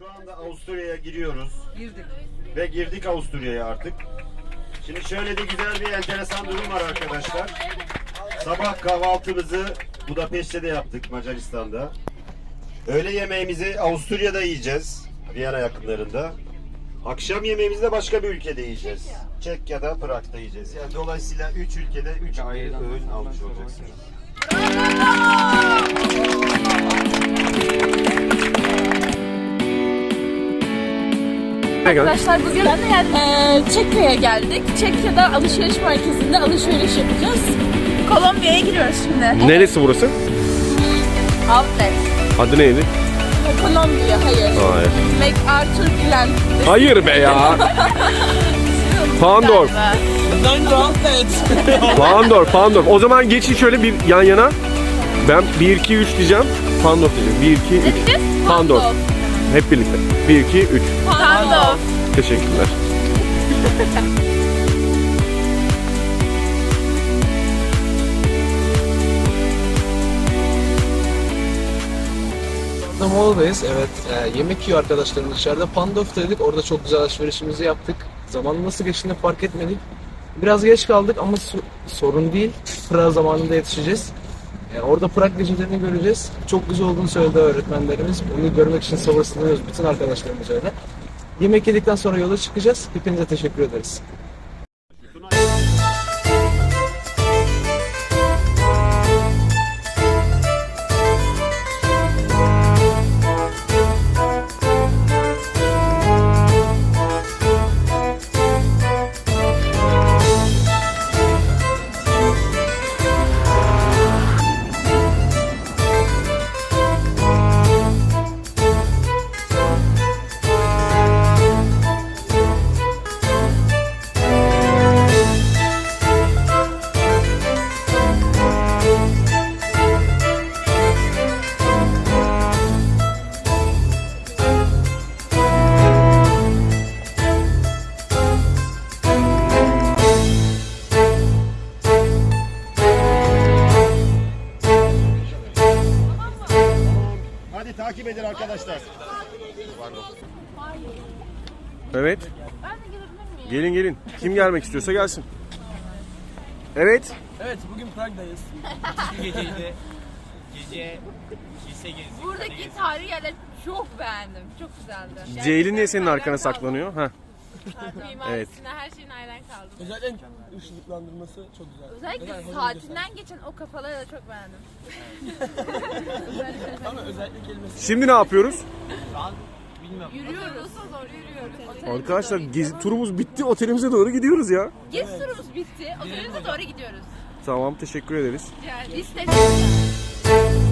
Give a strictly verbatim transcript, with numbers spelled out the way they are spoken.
Şu anda Avusturya'ya giriyoruz. Girdik. Ve girdik Avusturya'ya artık. Şimdi şöyle de güzel bir enteresan durum var arkadaşlar. Sabah kahvaltımızı Budapeşte'de yaptık, Macaristan'da. Öğle yemeğimizi Avusturya'da yiyeceğiz, Viyana yakınlarında. Akşam yemeğimizi de başka bir ülkede yiyeceğiz. Çekya'da, Prag'da yiyeceğiz. Yani dolayısıyla üç ülkede üç ayrı öğün almış olacaksınız. Arkadaşlar bugün e, Çekya'ya geldik. Çekya'da alışveriş merkezinde alışveriş yapacağız. Kolombiya'ya giriyoruz şimdi. Neresi burası? Outlet. Adı neydi? Kolombiya, hayır. Hayır. MacArthur Glen. Hayır be ya. Pandorf. Pandorf, Pandorf. O zaman geçin şöyle bir yan yana. Ben bir iki üç diyeceğim. Pandorf diyeceğim. bir iki üç. Ne diyeceğiz? Pandorf. Hep birlikte. bir iki üç. Pandorf. Teşekkürler. Molda'dayız. Evet, e, yemek yiyor arkadaşlarım dışarıda. Pandorf'taydık. Orada çok güzel alışverişimizi yaptık. Zamanın nasıl geçtiğini fark etmedik. Biraz geç kaldık ama so- sorun değil. Prag zamanında yetişeceğiz. E, orada Prag gecelerini göreceğiz. Çok güzel olduğunu söyledi öğretmenlerimiz. Bunu görmek için sabırsızlanıyoruz bütün arkadaşlarımız öyle. Yemek yedikten sonra yola çıkacağız. Hepinize teşekkür ederiz. Hadi takip edin arkadaşlar. Evet. Gelin gelin. Kim gelmek istiyorsa gelsin. Evet. Evet, bugün Prag'dayız. Bir geceydi. Gece kilise gezdik. Buradaki tarihi yerleri çok beğendim. Çok güzeldi. Ceylin niye senin arkana saklanıyor? Heh. Mimarisine her şeyin hayran kaldım. Özellikle ışıklandırması çok güzel. Özellikle saatinden geçen o kafaları da çok beğendim. Ama özellikle kelimesi. Şimdi ne yapıyoruz? Şu an bilmiyorum. Yürüyoruz. Doğru yürüyoruz. Arkadaşlar gezi turumuz bitti. Otelimize doğru gidiyoruz ya. Gezi turumuz bitti. Otelimize doğru gidiyoruz. Tamam, teşekkür ederiz. Yani biz teşekkür ederiz.